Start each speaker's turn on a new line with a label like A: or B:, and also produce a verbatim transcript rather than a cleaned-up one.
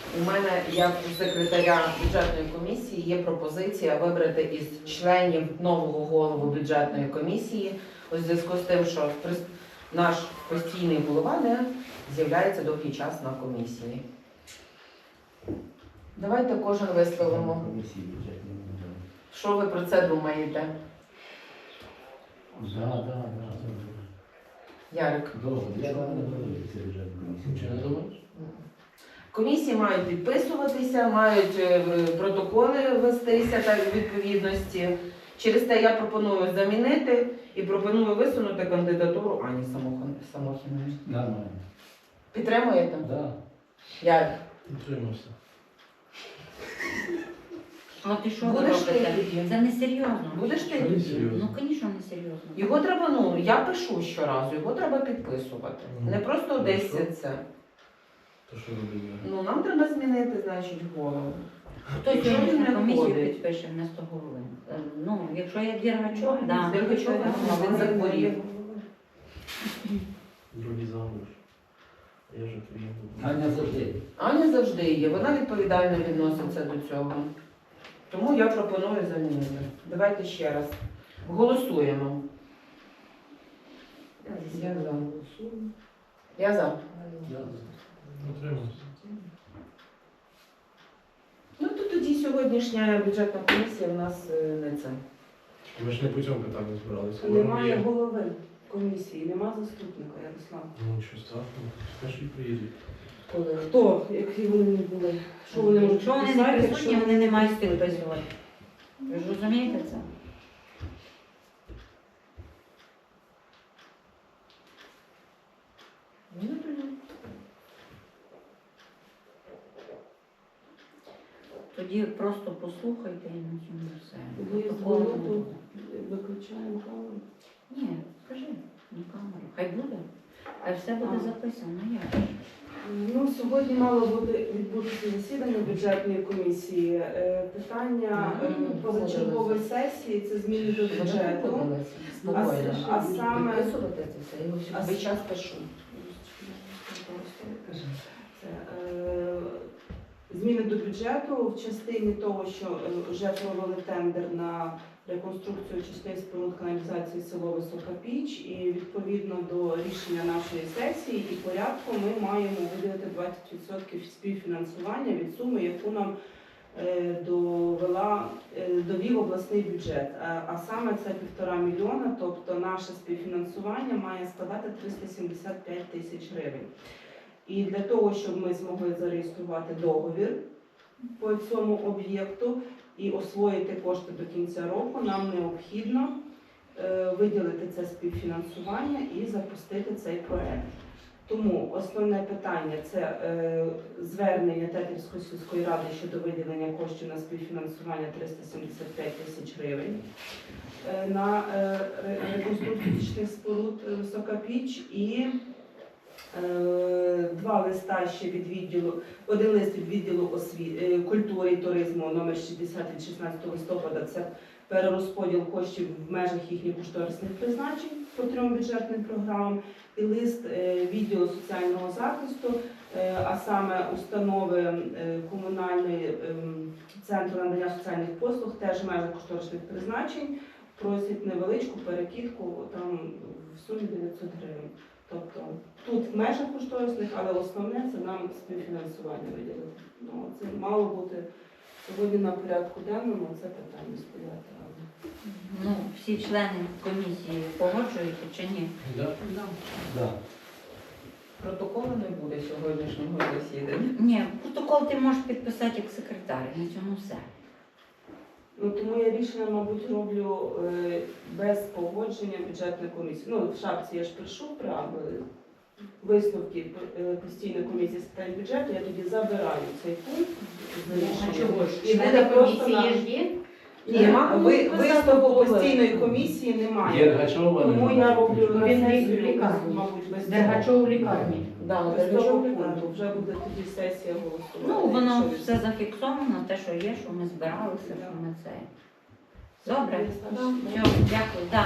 A: У мене, як у секретаря бюджетної комісії, є пропозиція вибрати із членів нового голову бюджетної комісії у зв'язку з тим, що прис- наш постійний голова не з'являється довгий час на комісії. Давайте кожен висловимо. Що ви про це думаєте?
B: Да, да, да.
A: Ярик?
B: Добре, я вам не говорю, це бюджетна комісія. Чи не думаєш?
A: Комісії мають підписуватися, мають е, протоколи вестися так у відповідності. Через те я пропоную замінити і пропоную висунути кандидатуру Ані Самохон- Самохіної.
B: Нормально.
A: Підтримуєте?
B: Да.
A: Ярик?
C: Підтримався.
D: А ти що ви
A: Будеш ти
D: робите?
A: тоді?
D: Це не серйозно.
A: Будеш ти
C: Що не
A: тоді?
C: серйозно?
D: Ну, звісно, не серйозно.
A: Його треба, ну, я пишу щоразу, його треба підписувати.
C: Ну,
A: Не просто
C: ну,
A: десь
C: що?
A: це.
C: То що робити?
A: Ну, нам треба змінити, значить, голову.
D: Хто
A: Якщо він
D: сьогодні
A: не
D: комісію
A: входить.
D: підпише вместо голови? Е, Ну, якщо є Дергачов, да.
A: Дергачов,
D: да.
A: він захворів.
C: Другий замуж. Я ж твій був.
B: Аня завжди.
A: Аня завжди є, вона відповідально відноситься до цього. Тому я пропоную замінити. Давайте ще раз. Голосуємо. Я за. Я за.
B: Я
C: Утримався.
A: Ну то тоді сьогоднішня бюджетна комісія в нас е, не це.
C: Ми ж не по цьому питанню збиралися.
E: Немає голови комісії, немає заступника Ярослава.
C: Ну, що страшного. Скажи, і приїдуть.
A: Коли?
E: Хто, які вони не були? Що вони можуть
D: Якщо вони не
E: писати,
D: присутні,
E: якщо
D: вони не мають
E: присутні?
D: підписувати. Ви ж розумієте це?
A: Ну, тоді.
D: Тоді просто послухайте і на цьому все.
E: Ви
D: Протоколу не
E: дзвоните,
D: буде.
E: виключаємо камеру.
D: Ні, скажи на камеру. Хай буде. Хай все буде
E: А.
D: записано. Як?
E: Ну, сьогодні мало буде відбутися засідання бюджетної комісії. Е, Питання е,
A: Мгм.
E: позачергової сесії це зміни до
A: Вони
E: бюджету.
A: погодилися.
E: А,
A: Спокійно.
E: с- а саме
A: Підписувати це все, я його
E: А
A: весь
E: с-
A: час пишу.
E: Це, е, зміни до бюджету в частині того, що е, вже провели тендер на реконструкцію частини споруд каналізації село Висока Піч, і відповідно до рішення нашої сесії і порядку ми маємо виділити двадцять відсотків співфінансування від суми, яку нам е, довела, е, довів обласний бюджет. А, а саме це півтора мільйона, тобто наше співфінансування має складати триста сімдесят п'ять тисяч гривень. І для того, щоб ми змогли зареєструвати договір по цьому об'єкту і освоїти кошти до кінця року, нам необхідно е, виділити це співфінансування і запустити цей проект. Тому основне питання – це е, звернення Тетерівської сільської ради щодо виділення коштів на співфінансування триста сімдесят п'ять тисяч гривень е, на е, ре- реконструкцію тічних споруд е, Висока Піч і Е, два листа ще від відділу, один лист від відділу осві... е, культури і туризму номер шістдесят від шістнадцятого листопада. Це перерозподіл коштів в межах їхніх кошторисних призначень по трьом бюджетним програмам. І лист е, відділу соціального захисту, е, а саме установи е, комунальної е, центру надання соціальних послуг, теж в межах кошторисних призначень, просять невеличку перекидку там в сумі дев'ятсот гривень. Тобто тут в межах кошторисних, але основне це нам співфінансування виділити. Ну, це мало бути сьогодні на порядку денному, це питання стояти. але-
D: Ну, всі члени комісії погоджуються чи ні?
B: Да? Да.
A: Протоколу не буде сьогоднішнього засідання.
D: Ні, протокол ти можеш підписати як секретар, і на цьому все.
E: Ну, тому я рішення, мабуть, роблю е, без погодження бюджетної комісії. Ну, в шапці я ж пишу преамбули, висновки е, постійної комісії з питань бюджету, я тоді забираю цей пункт з рішення. І буде просто на...
D: є?
E: Ні,
A: Нема
E: ви,
A: кому
E: висновку
A: писати
E: постійної комісії немає.
B: Дергачова не
E: Тому я
B: може
E: роблю
B: включити.
E: на
D: Він
E: сесію,
D: в лікарні.
E: мабуть, без
D: Дергачов в лікарні.
A: Да,
E: Без
A: Дергачов
E: того
A: в лікарні.
E: пункту вже буде тоді сесія голосувати.
D: Ну, воно
E: якщо
D: все зафіксовано, те, що є, що ми збиралися, що ми це. Добре?
E: ви-
D: Все, дякую. Да.